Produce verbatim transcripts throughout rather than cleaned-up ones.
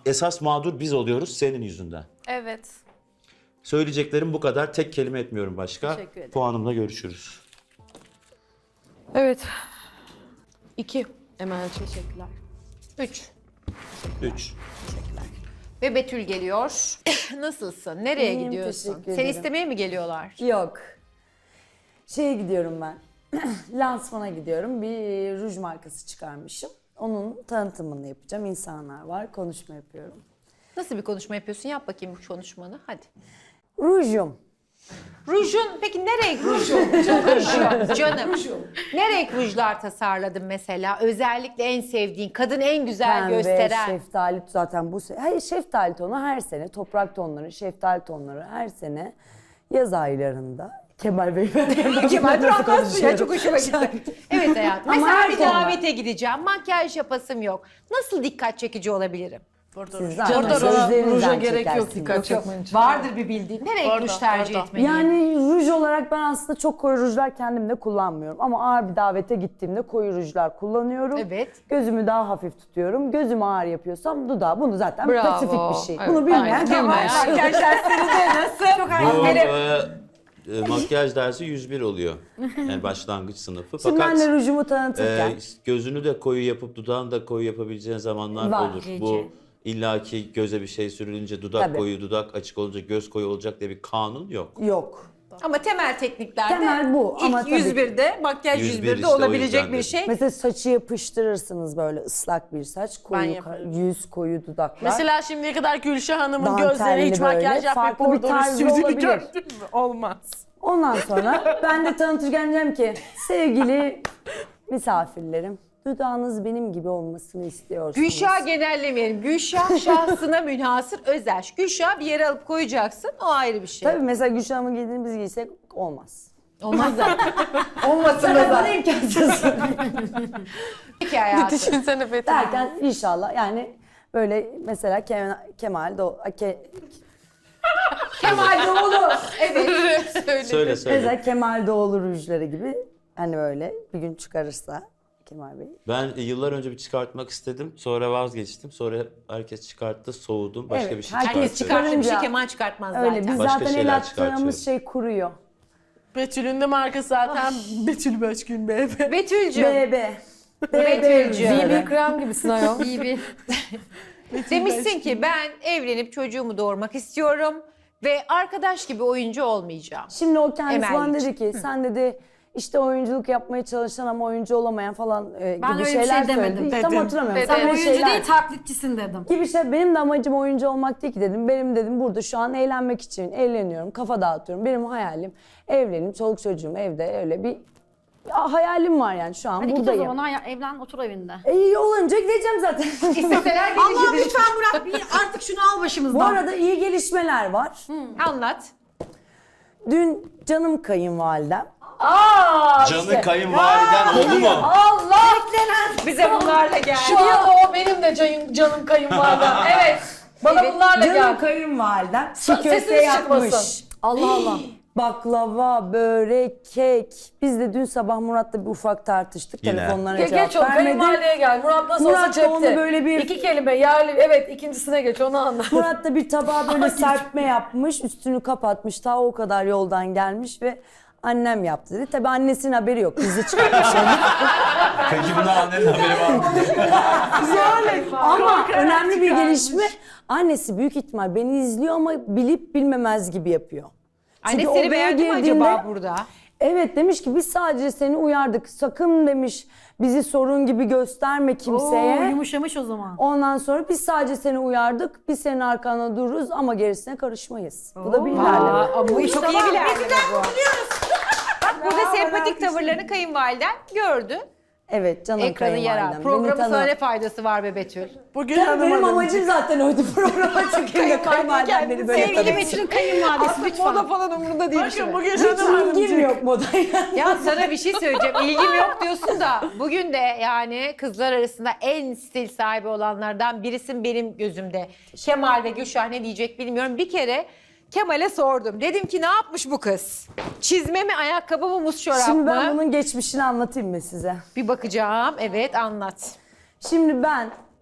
esas mağdur biz oluyoruz senin yüzünden. Evet. Söyleyeceklerim bu kadar. Tek kelime etmiyorum başka. Teşekkür ederim. Puanımla görüşürüz. Evet. İki. Emel teşekkürler. Üç. Üç. Ve Betül geliyor. Nasılsın? Nereye İyiyim, gidiyorsun? teşekkür Seni ederim. istemeye mi geliyorlar? Yok. Şeye gidiyorum ben. Lansmana gidiyorum. Bir ruj markası çıkarmışım. Onun tanıtımını yapacağım. İnsanlar var. Konuşma yapıyorum. Nasıl bir konuşma yapıyorsun? Yap bakayım bu konuşmanı. Hadi. Rujum. Rujun, peki ne renk rujun? Rujun, canım. Ne renk rujlar tasarladın mesela? Özellikle en sevdiğin, kadın en güzel Pembe, gösteren. şeftali zaten bu sene. Hayır, şeftali tonu her sene. Toprak tonları, şeftali tonları her sene. Yaz aylarında. Kemal Bey ben Kemal Durakmaz ya, çok hoşuma gitti. Evet hayatım. Ama Mesela her bir ton var. davete gideceğim. Makyaj yapasım yok. Nasıl dikkat çekici olabilirim? Siz zaten Orada ruja gözlerinizden gerek yok çekersiniz. dikkat çekmen için. Vardır bir bildiğin. Ne renk Orada, ruj tercih orada. etmeliyim? Yani ruj olarak ben aslında çok koyu rujlar kendim de kullanmıyorum. Ama ağır bir davete gittiğimde koyu rujlar kullanıyorum. Evet. Gözümü daha hafif tutuyorum. Gözüm ağır yapıyorsam dudağı. Bunu zaten Bravo. pasifik bir şey. Evet, Bunu bilmeyen aynen. Kemal. Bilmeyen. Makyaj derslerinde nasıl? Çok Bu Benim- e, e, makyaj dersi yüz bir oluyor. Yani başlangıç sınıfı. Şimdi ben Fakat de rujumu tanıtırken. e, gözünü de koyu yapıp dudağını da koyu yapabileceğin zamanlar Var. olur. Bu illaki göze bir şey sürülünce dudak Tabii. koyu, dudak açık olunca göz koyu olacak diye bir kanun yok. Yok. Ama temel tekniklerde Temel bu ama ilk tabii yüz birde, makyaj yüz yüz bir birde işte, o olabilecek yüzden bir de. şey. Mesela saçı yapıştırırsınız böyle ıslak bir saç. Ben Koyu, yaparım. yüz koyu dudaklar. Mesela şimdiye kadar Gülşah Hanım'ın Dantelli gözlerine hiç böyle, makyaj yapmayıp farklı bir orada tarzı sürdüğünü olabilir. gördün mü? Olmaz. Ondan sonra ben de tanıtırken diyeceğim ki sevgili misafirlerim, dudağınız benim gibi olmasını istiyorsunuz. Gülşah genellemeyelim. Gülşah şahsına münhasır özel. Gülşah bir yere alıp koyacaksın, o ayrı bir şey. Tabii mesela Gülşah Hanım'ın giydiğini biz giysek olmaz. Olmaz zaten. Olmasın da Bana zaten. imkansız. Peki hayatım. Düşünsene Betül. Derken inşallah yani böyle mesela Kemal, Kemal Doğulu, Ke, Kemal Doğulu. Evet. Söyle söyle. mesela Kemal Doğulu rujları gibi hani böyle bir gün çıkarırsa Kemal Bey. Ben yıllar önce bir çıkartmak istedim. Sonra vazgeçtim. Sonra herkes çıkarttı, soğudum. Başka Evet, bir şey herkes Herkes çıkartıyorum. çıkarttı bir şey, Çıkarınca- Kemal çıkartmaz Öyle zaten. biz Başka zaten şeyler el attığımız çıkartıyorum. şey kuruyor. Betül'ün de markası zaten Betül Beşgün B B. Betül'cüğüm. B B. Betül'cüğüm. B B krem gibisin ayol. İyi bir. Demişsin ki ben evlenip çocuğumu doğurmak istiyorum ve arkadaş gibi oyuncu olmayacağım. Şimdi o kendisi bana Emel'ciğim. dedi ki sen dedi işte oyunculuk yapmaya çalışan ama oyuncu olamayan falan e, Ben gibi öyle bir şeyler şey demedim. söyledi. Tam Dedim. hatırlamıyorum. Dedim. Sen Sen öyle oyuncu şeyler değil taklitçisin dedim. gibi şey. Benim de amacım oyuncu olmak değil ki dedim. Benim dedim burada şu an eğlenmek için eğleniyorum, kafa dağıtıyorum. Benim hayalim evlenip çoluk çocuğum evde öyle bir ya, hayalim var yani şu an Hadi git o buradayım. zaman ha, evlen otur evinde. E, iyi olunca gideceğim zaten. İsteseler Allah'ım gelecek. lütfen Murat bir artık şunu al başımızdan. Bu arada iyi gelişmeler var. Anlat. Dün canım kayınvalidem. Canı kayınvaliden oldu mu? Allah! Bize bunlarla gel. Şu anda o benim de canım, canım kayınvalidem. Evet. Bana Evet. bunlarla Canım gel. kayınvalidem Sa- çiğ köfte sesiniz yapmış. çıkmasın. Allah Allah. Baklava, börek, kek. Biz de dün sabah Murat'la bir ufak tartıştık. Yine. Telefonlara Ge- cevap geç o vermedi. kayınvalideye gel. Murat nasıl olsa Murat da cepte. onu böyle bir- İki kelime yerli. Evet ikincisine geç onu anlat. Murat da bir tabağa böyle serpme yapmış, üstünü kapatmış. Ta o kadar yoldan gelmiş ve annem yaptı dedi. Tabii annesinin haberi yok. Bizi çıkartmış. Peki buna annenin haberi var mı? Ama önemli bir gelişme. Annesi büyük ihtimal beni izliyor ama bilip bilmemez gibi yapıyor. Çünkü Anne seni odaya beğendi mi girdiğinde- acaba burada? Evet demiş ki biz sadece seni uyardık. Sakın demiş bizi sorun gibi gösterme kimseye. Oo, yumuşamış o zaman. Ondan sonra biz sadece seni uyardık. Biz senin arkanda dururuz ama gerisine karışmayız. Bu da bir ilerleme. Aa, bu çok iyi bir ilerleme bu. Bak burada sempatik tavırlarını kayınvaliden gördü. Evet canım Ekranı yarar. kayınvalidem. Programın Beni tanı- sana ne faydası var be Betül? Bugün Tabii hanıma benim dedim. amacım zaten oydu programa çıkayım da kayınvalidem beni böyle Sevgili tanısın. Betül'ün kayınvalidesi Artık lütfen. moda falan umurunda değil. Bakın şimdi. bugün Hiç hanım ilgim hanımcık. yok modaya. Ya sana bir şey söyleyeceğim. İlgim yok diyorsun da bugün de yani kızlar arasında en stil sahibi olanlardan birisin benim gözümde. Kemal ve Gülşah ne diyecek bilmiyorum. Bir kere Kemal'e sordum. Dedim ki ne yapmış bu kız? Çizme mi, ayakkabı mı, muz çorap Şimdi mı? ben bunun geçmişini anlatayım mı size? Bir bakacağım. Evet anlat. Şimdi ben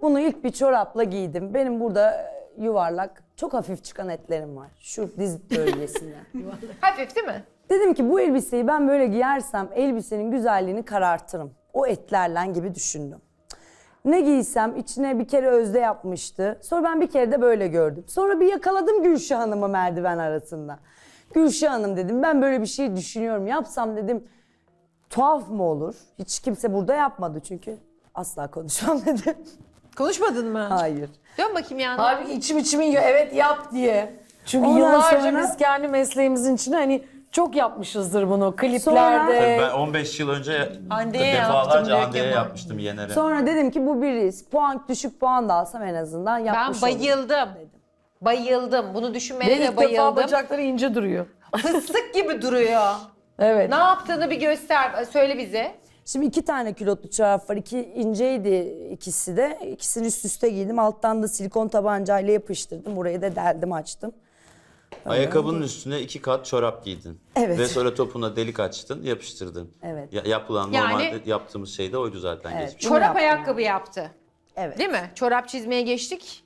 Bunu ilk bir çorapla giydim. Benim burada yuvarlak, çok hafif çıkan etlerim var. Şu diz bölgesinde. Hafif değil mi? Dedim ki bu elbiseyi ben böyle giyersem elbisenin güzelliğini karartırım. O etlerle gibi düşündüm. Ne giysem içine bir kere Özde yapmıştı. Sonra ben bir kere de böyle gördüm. Sonra bir yakaladım Gülşah Hanım'ı merdiven arasında. Gülşah Hanım dedim, ben böyle bir şey düşünüyorum. Yapsam dedim tuhaf mı olur? Hiç kimse burada yapmadı çünkü. Asla konuşmam dedim. Konuşmadın mı? Hayır. Dön bakayım yanına. Halbuki içim içimi yiyor evet yap diye. Çünkü Ondan yıllarca sonra- biz kendi mesleğimizin içinde hani çok yapmışızdır bunu Sonra- kliplerde. Tabii ben on beş yıl önce Hande'ye yaptım defalarca diyor Hande'ye Kemal. yapmıştım Yener'e. Sonra dedim ki bu bir risk. Puan düşük puan da alsam en azından Ben yapmış olurum. bayıldım. Bayıldım. Bunu düşünmene Ve de ilk defa bayıldım. bacakları ince duruyor. Fıstık gibi duruyor. Evet. Ne yaptığını bir göster. Söyle bize. Şimdi iki tane külotlu çorap var. İki inceydi ikisi de. İkisini üst üste giydim. Alttan da silikon tabancayla yapıştırdım. Burayı da deldim açtım. Ayakkabının üstüne iki kat çorap giydin. Evet. Ve sonra topuna delik açtın, yapıştırdın. Evet. Ya- yapılan Yani- normalde yaptığımız şey de oydu zaten Evet. geçmiş. Bunu Çorap yaptım ayakkabı yaptı. Evet. Değil mi? Çorap çizmeye geçtik.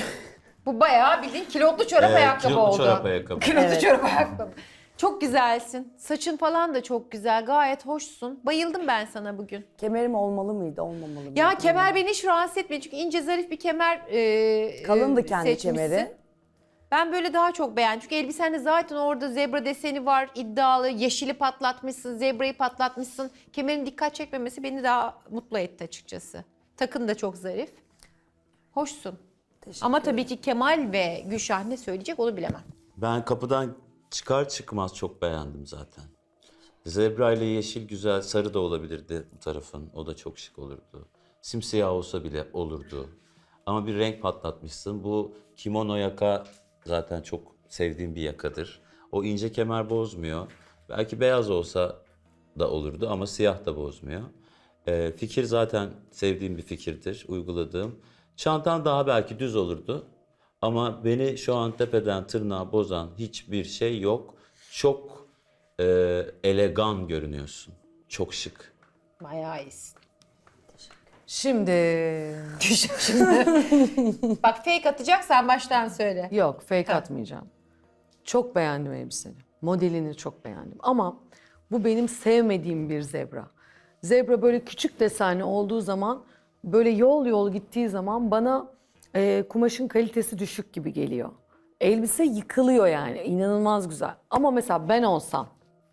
Bu bayağı bildiğin kilotlu çorap Ee, ayakkabı kilotlu oldu. çorap ayakkabı. Kilotlu Evet. çorap ayakkabı. Çok güzelsin. Saçın falan da çok güzel. Gayet hoşsun. Bayıldım ben sana bugün. Kemerim olmalı mıydı, olmamalı mıydı? Ya kemer beni hiç rahatsız etmedi. Çünkü ince zarif bir kemer e, Kalındı e, kendi seçmişsin. kemeri. Ben böyle daha çok beğendim. Çünkü elbisende zaten orada zebra deseni var. İddialı. Yeşili patlatmışsın. Zebrayı patlatmışsın. Kemerin dikkat çekmemesi beni daha mutlu etti açıkçası. Takın da çok zarif. Hoşsun. Teşekkür Ama tabii ki Kemal ve Gülşah ne söyleyecek onu bilemem. Ben kapıdan çıkar çıkmaz çok beğendim zaten. Zebra ile yeşil güzel, sarı da olabilirdi bu tarafın. O da çok şık olurdu. Simsiyah olsa bile olurdu. Ama bir renk patlatmışsın. Bu kimono yaka zaten çok sevdiğim bir yakadır. O ince kemer bozmuyor. Belki beyaz olsa da olurdu ama siyah da bozmuyor. Ee, fikir zaten sevdiğim bir fikirdir, uyguladığım. Çantan daha belki düz olurdu. Ama beni şu an tepeden tırnağa bozan hiçbir şey yok. Çok e, elegan görünüyorsun. Çok şık. Bayağı iyisin. Şimdi Bak fake atacaksan baştan söyle. yok fake atmayacağım. Çok beğendim elbiseni. Modelini çok beğendim. Ama bu benim sevmediğim bir zebra. Zebra böyle küçük desenli olduğu zaman böyle yol yol gittiği zaman bana e, kumaşın kalitesi düşük gibi geliyor. Elbise yıkılıyor yani. İnanılmaz güzel. Ama mesela ben olsam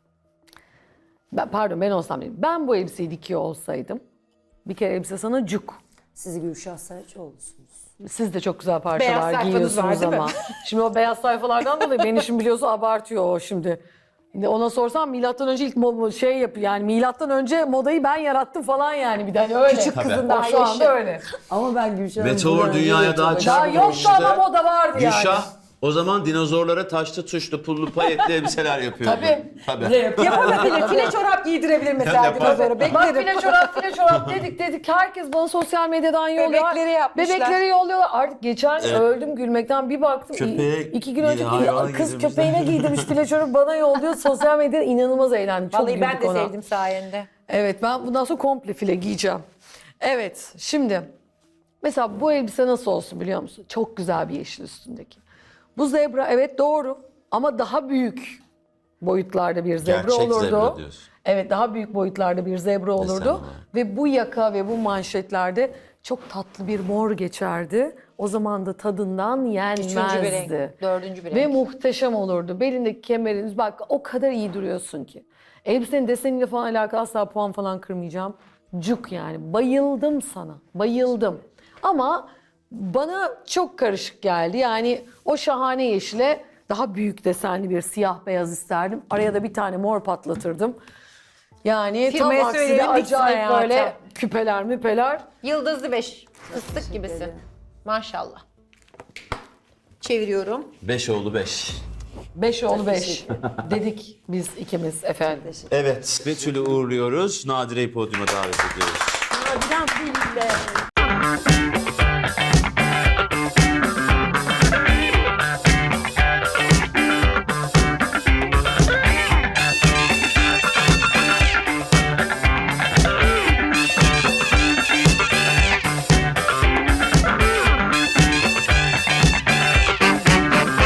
ben, pardon ben olsam değil. Ben bu elbiseyi dikiyor olsaydım bir kere elbise sana cuk. Siz Gülşah Saraçoğlu'sunuz. Siz de çok güzel Beyaz parçalar sayfanız giyiyorsunuz var, değil mi? ama. Şimdi o beyaz sayfalardan dolayı beni şimdi biliyorsun abartıyor o şimdi. Şimdi ona sorsam milattan önce ilk mo- şey yapıyor yani milattan önce modayı ben yarattım falan yani bir de hani öyle. Küçük kızın Tabii. daha şu Yaşı. anda öyle. Ama ben Gülşah'ın... Meteor buradan dünyaya önce de daha çok- çabuk Daha yoktu işte. ama moda vardı yani. Gülşah o zaman dinozorlara taşlı tuşlu pullu payetli elbiseler yapıyordu. Tabii. Tabii. Yapabilir. File çorap giydirebilir mesela Yapar. dinozora. Bak Beklerim. file çorap file çorap dedik dedik herkes bana sosyal medyadan yolluyor. Bebekleri yapmışlar. Bebekleri yolluyorlar. Artık geçen Evet. öldüm gülmekten bir baktım. Köpeğe İ- iki gün bir önce hayvan kız giydirmişler. köpeğine giydirmiş file çorap bana yolluyor. Sosyal medyada inanılmaz eğlendim. Çok Vallahi ben güldük de ona. sevdim sayende. Evet ben bundan sonra komple file giyeceğim. Evet şimdi mesela bu elbise nasıl olsun biliyor musun? Çok güzel bir yeşil üstündeki. Bu zebra evet doğru ama daha büyük boyutlarda bir zebra Gerçek olurdu. zebra diyorsun. Evet daha büyük boyutlarda bir zebra olurdu. olarak. Ve bu yaka ve bu manşetlerde çok tatlı bir mor geçerdi. O zaman da tadından Üçüncü bir renk. yenmezdi. Dördüncü bir Ve renk. muhteşem olurdu. Belindeki kemeriniz bak o kadar iyi duruyorsun ki. Elbisenin deseniyle falan alakalı asla puan falan kırmayacağım. Cuk yani. Bayıldım sana. Bayıldım. Ama bana çok karışık geldi. Yani o şahane yeşile daha büyük desenli bir siyah beyaz isterdim. Araya da bir tane mor patlatırdım. Yani Firmaya tam aksine söyleyelim, diksin acayip hayatım. böyle küpeler müpeler. Yıldızlı beş. Fıstık gibisin. Maşallah. Çeviriyorum. Beş oğlu beş. Beş oğlu beş dedik biz ikimiz efendim. Evet. Betül'ü uğurluyoruz. Nadire'yi podyuma davet ediyoruz. Biraz değil de.